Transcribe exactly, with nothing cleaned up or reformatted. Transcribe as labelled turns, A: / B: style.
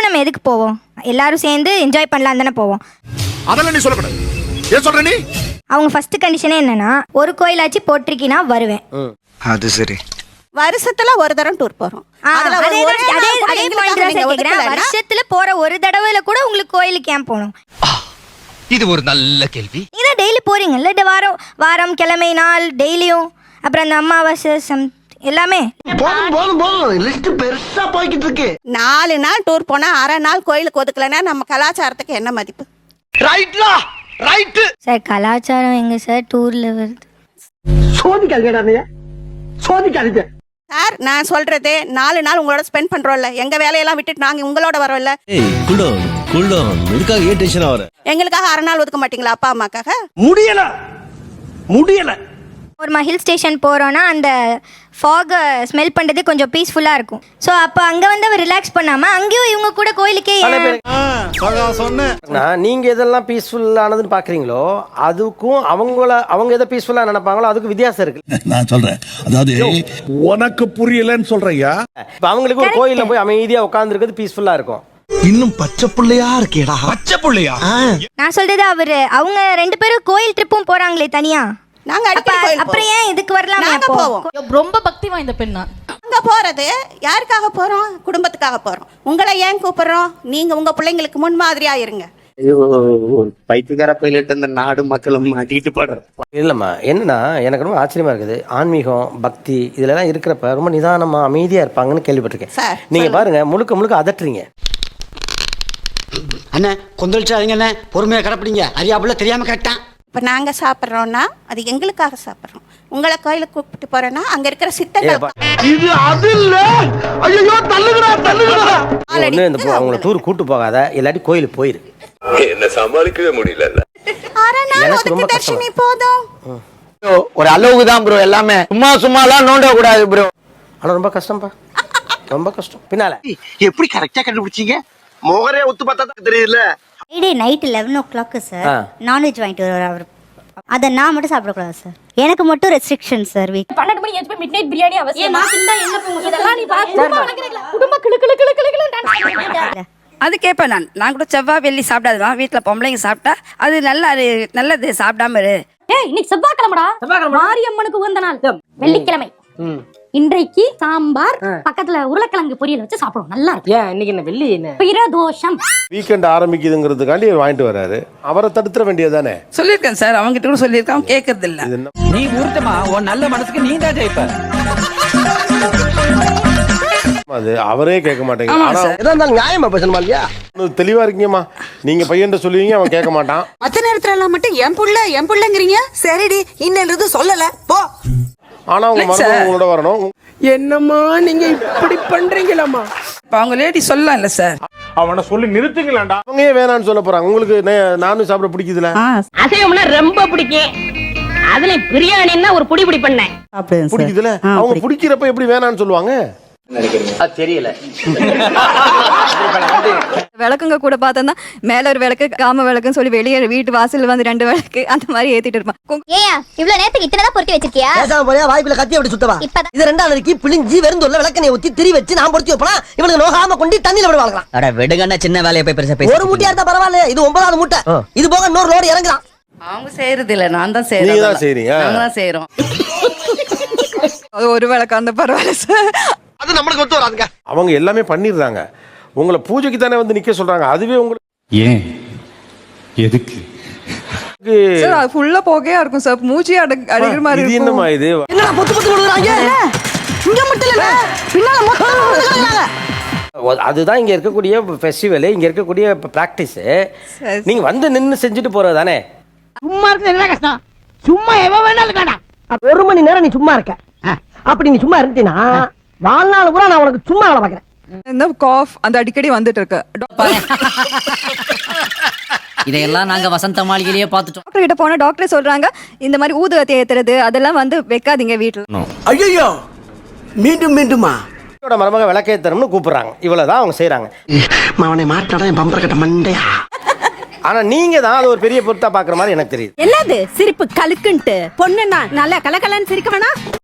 A: நம்ம எதுக்கு போவோம்? எல்லாரும் சேர்ந்து என்ஜாய் பண்ணலாம் தானே போவோம்.
B: அதெல்லாம் நீ சொல்லக்கூடாது. ஏன் சொல்ற நீ?
A: அவங்க ஃபர்ஸ்ட் கண்டிஷனே என்னன்னா ஒரு கோயிலாச்சு போட்டிருக்கீனா வருவேன்.
C: அது சரி.
D: வருஷத்துல ஒரு தடவை டூர் போறோம்.
A: வருஷத்துல போற ஒரு தடவைல கூட உங்களுக்கு கோயிலுக்கு ஏன் போகணும்?
E: இது ஒரு நல்ல கேள்வி.
A: நீங்க டெய்லி போறீங்கல்ல, இந்த வாரம் வாரம் கிழமை நாள் டெய்லியும், அப்புறம் அந்த அமாவாசை சம் எல்லாமே.
F: போதும் போதும் போதும், லிஸ்ட் பெருசா போய்கிட்டு இருக்கு.
D: நாலு நாள் டூர் போனா அரை நாள் கோயிலுக்கு ஒதுக்கலன்னா நம்ம கலாச்சாரத்துக்கு என்ன மதிப்பு?
F: ரைட்லா ரைட்.
A: சார் கலாச்சாரம் எங்க சார் டூர்ல வருது?
F: சோதிக்காதீங்க சோதிக்காதீங்க
D: சார். நான் சொல்றது நாலு நாள் உங்களோட ஸ்பெண்ட் பண்றோம்ல, எங்க வேலையெல்லாம் விட்டுட்டு நாங்க உங்களோட வரோம்ல. எங்களுக்காக அரை நாள் ஒதுக்க மாட்டீங்களா அப்பா அம்மாக்காக?
F: முடியல முடியல.
A: ஒரு ஹில் ஸ்டேஷன் போகிறோன்னா அந்த ஃபாகை ஸ்மெல் பண்ணுறதே கொஞ்சம் பீஸ்ஃபுல்லாக இருக்கும். ஸோ அப்போ அங்கே வந்து அவர் ரிலாக்ஸ் பண்ணாமல் அங்கேயும் இவங்க கூட கோயிலுக்கே
G: சொன்னேன். நீங்கள் எதெல்லாம் பீஸ்ஃபுல்லானதுன்னு பார்க்குறீங்களோ அதுக்கும் அவங்கள அவங்க எதை பீஸ்ஃபுல்லாக நினைப்பாங்களோ அதுக்கு வித்தியாசம் இருக்கு.
B: நான் சொல்றேன், அதாவது உனக்கு புரியலன்னு சொல்றியா?
G: இப்போ அவங்களுக்கு ஒரு கோயிலில் போய் அமைதியாக உட்காந்துருக்கிறது பீஸ்ஃபுல்லாக இருக்கும்.
F: இன்னும் பச்சை புள்ளையா இருக்கேடா.
B: பச்சை புள்ளையா?
A: நான் சொல்றது அவரு அவங்க ரெண்டு பேரும் கோயில் ட்ரிப்பும் போறாங்களே தனியா.
D: நாங்க அடிக்கடி கோயில்
A: அப்புறம் ஏன் இதுக்கு வரலாம்?
D: நாங்க போவோம்.
H: ரொம்ப பக்தி வாய்ந்த பெண் நான்.
D: அங்க போறது யாருக்காக போறோம்? குடும்பத்துக்காக போறோம். உங்களை ஏன் கூப்பிடுறோம்? நீங்க உங்க பிள்ளைங்களுக்கு முன்மாதிரியா இருங்க.
C: பைத்தியக்கார பையிலிட்டு இந்த நாடு மக்களும் மாட்டிட்டு போடுற.
G: இல்லைம்மா, என்னன்னா எனக்கு ரொம்ப ஆச்சரியமா இருக்குது. ஆன்மீகம் பக்தி இதுலலாம் இருக்கிறப்ப ரொம்ப நிதானமா அமைதியாக இருப்பாங்கன்னு கேள்விப்பட்டிருக்கேன். நீங்கள் பாருங்க முழுக்க முழுக்க அதட்டுறீங்க.
F: அண்ணே கொந்தளிச்சாதீங்க அண்ணே, பொறுமையா கடப்பிடிங்க. அறியாப்புல தெரியாம கேட்டான்.
D: இப்ப நாங்க சாப்பிட்றோம்னா அது எங்களுக்காக சாப்பிட்றோம். உங்களை கோயிலுக்கு கூப்பிட்டு போறேன்னா அங்க இருக்கிற சித்தர்கள்
F: இது அது இல்ல. ஐயோ தள்ளுங்கடா தள்ளுங்கடா.
G: ஒண்ணு இந்த அவங்கள டூர் கூட்டு போகாத, இல்லாட்டி கோயிலுக்கு போயிரு.
E: என்ன சமாளிக்கவே முடியல.
D: அரை நாள் ஒதுக்கு தர்ஷினி போதும்.
F: ஒரு அளவுக்கு தான் ப்ரோ எல்லாமே. சும்மா சும்மாலாம் நோண்ட கூடாது ப்ரோ.
G: ஆனா ரொம்ப கஷ்டம்பா, ரொம்ப கஷ்டம். பின்னால
F: எப்படி கரெக்டா கண்டுபிடிச்சீங்க? மோகரே ஒத்து பார்த்தா தான் தெரியல.
I: Friday night eleven o'clock sir non veg வாங்கிட்டு வருவார் அவர். அதை நான் மட்டும் சாப்பிடக்கூடாது சார், எனக்கு மட்டும் ரெஸ்ட்ரிக்ஷன் சார். வீக்
H: பன்னெண்டு மணி ஏச்சு போய் மிட் நைட் பிரியாணி அவசியம். நான் திண்டா என்ன போங்க இதெல்லாம் நீ பாத்து குடும்ப வளக்குறீங்களா? குடும்ப கிளு கிளு கிளு கிளு கிளு டான்ஸ்.
J: அது கேட்பேன் நான். நான் கூட செவ்வாய் வெள்ளி சாப்பிடாதுதான், வீட்டில் பொம்பளைங்க சாப்பிட்டா அது நல்ல அது நல்லது, சாப்பிடாம இரு.
H: ஏய் இன்னைக்கு செவ்வாய்க்கிழமைடா, மாரியம்மனுக்கு உகந்த நாள் வெள்ளிக்கிழமை. இன்றைக்கு சாம்பார் பக்கத்துல உருளைக்கிழங்கு பொரியல் வச்சு சாப்பிடுவோம், நல்லா இருக்கு.
J: ஏன் இன்னைக்கு என்ன வெள்ளி என்ன
H: பிரதோஷம்
K: வீக்கெண்ட் ஆரம்பிக்குதுங்கிறதுக்காண்டி வாங்கிட்டு வராரு. அவரை தடுத்துற வேண்டியதானே?
J: சொல்லியிருக்கேன் சார், அவங்க கிட்ட கூட சொல்லியிருக்கேன், கேட்கறது இல்ல.
E: நீ ஊர்த்தமா உன் நல்ல மனசுக்கு நீ தான் ஜெயிப்ப.
K: அது அவரே கேட்க மாட்டேங்க.
F: நியாயமா பேசணுமா இல்லையா?
K: தெளிவா இருக்கீங்கம்மா, நீங்க பையன் சொல்லுவீங்க, அவன் கேட்க மாட்டான்.
D: மத்த நேரத்துல எல்லாம் மட்டும் என் புள்ள என் புள்ளங்கிறீங்க. சரிடி இன்னது சொல்லல போ.
K: ஆனா உங்க மருமகன் உங்களோட வரணும்.
J: என்னம்மா நீங்க இப்படி பண்றீங்களாமா? அவங்க லேடி சொல்லலாம் இல்ல சார்,
K: அவனை சொல்லி நிறுத்துங்களாண்டா. அவங்க ஏன் வேணான்னு சொல்ல போறாங்க? உங்களுக்கு நானும் சாப்பிட பிடிக்குதுல?
H: அசைவம்னா ரொம்ப பிடிக்கும், அதுல பிரியாணின்னா ஒரு புடி புடி பண்ணேன்
K: பிடிக்குதுல. அவங்க பிடிக்கிறப்ப எப்படி வேணான்னு சொல்லுவாங்க?
E: தெரியல.
H: விளக்குங்க கூட பார்த்தா மேல ஒரு விளக்கு காம விளக்குன்னு சொல்லி வெளியே வீட்டு வாசல்ல வந்து ரெண்டு விளக்கு அந்த மாதிரி ஏத்திட்டு இருப்பான்.
I: ஏயா இவ்வளவு நேரத்துக்கு இத்தனை தான் பொருத்தி வச்சிருக்கியா?
F: பேசாம போறியா? வாய்ப்புல கத்தி அப்படி சுத்தவா? இது ரெண்டாவது நாளைக்கு பிழிஞ்சி வெறுந்தோல்ல விளக்கனை ஊத்தி திரி வச்சு நான் பொருத்தி வைப்பலாம். இவனுக்கு நோகாம கொண்டு தண்ணியில விட வாங்கலாம்.
E: அட விடுங்கண்ணா, சின்ன வேலையை போய் பெருசா பேச.
F: ஒரு மூட்டையா இருந்தா பரவாயில்ல, இது ஒன்பதாவது மூட்டை. இது போக இன்னொரு லோடு இறங்குறான்.
J: அவங்க செய்யறது இல்ல, நான் தான்
K: செய்யறேன். நீங்க தான் செய்றீங்க.
J: நாங்க தான் செய்றோம். அது ஒரு விளக்கு அந்த பரவாயில்ல சார்,
F: அது நமக்கு ஒத்து வராதுங்க.
K: அவங்க எல்லாமே பண்ணிடுறாங்க. உங்களை பூஜைக்கு தானே வந்து நிக்க சொல்றாங்க. அதுவே உங்களுக்கு
E: ஏன் எதுக்கு
J: சார்? அது ஃபுல்லா போகையா இருக்கும் சார், மூச்சு அடிக்கிற மாதிரி
K: இது என்னமா இது?
F: என்னடா பொத்து பொத்து விடுறாங்க? இங்க மட்டும் இல்ல, பின்னால மொத்தம் விடுறாங்க.
G: அதுதான் இங்க இருக்கக்கூடிய ஃபெஸ்டிவல், இங்க இருக்கக்கூடிய பிராக்டிஸ். நீங்க வந்து நின்னு செஞ்சுட்டு போறது தானே.
F: சும்மா இருக்கு என்ன கஷ்டம்? சும்மா எவ வேணாலும் காடா. ஒரு மணி நேரம் நீ சும்மா இருக்க. அப்படி நீ சும்மா இருந்தீனா வாழ்நாள் பூரா நான் உனக்கு சும்மா வேலை பார்க்கறேன்.
J: இந்த காஃப் அந்த அடிக்கடி வந்துட்டு இருக்கு.
E: இதையெல்லாம் நாங்க வசந்த மாளிகையிலேயே பார்த்துட்டோம்.
H: டாக்டர் கிட்ட போனா டாக்டர் சொல்றாங்க இந்த மாதிரி ஊதுவத்தி ஏத்துறது அதெல்லாம் வந்து வைக்காதீங்க வீட்டுல.
F: ஐயோ மீண்டும் மீண்டுமா?
G: மருமக விளக்கேத்தணும்னு கூப்பிடுறாங்க, இவ்வளவுதான் அவங்க செய்யறாங்க.
F: அவனை மாட்டாடா என் பம்பர கட்ட மண்டையா.
G: ஆனா நீங்க தான் அது ஒரு பெரிய பொருத்தா பாக்குற மாதிரி எனக்கு தெரியுது.
H: என்னது சிரிப்பு கலுக்குன்ட்டு? பொண்ணுன்னா நல்லா கலகலன்னு சிரிக்க வேணா?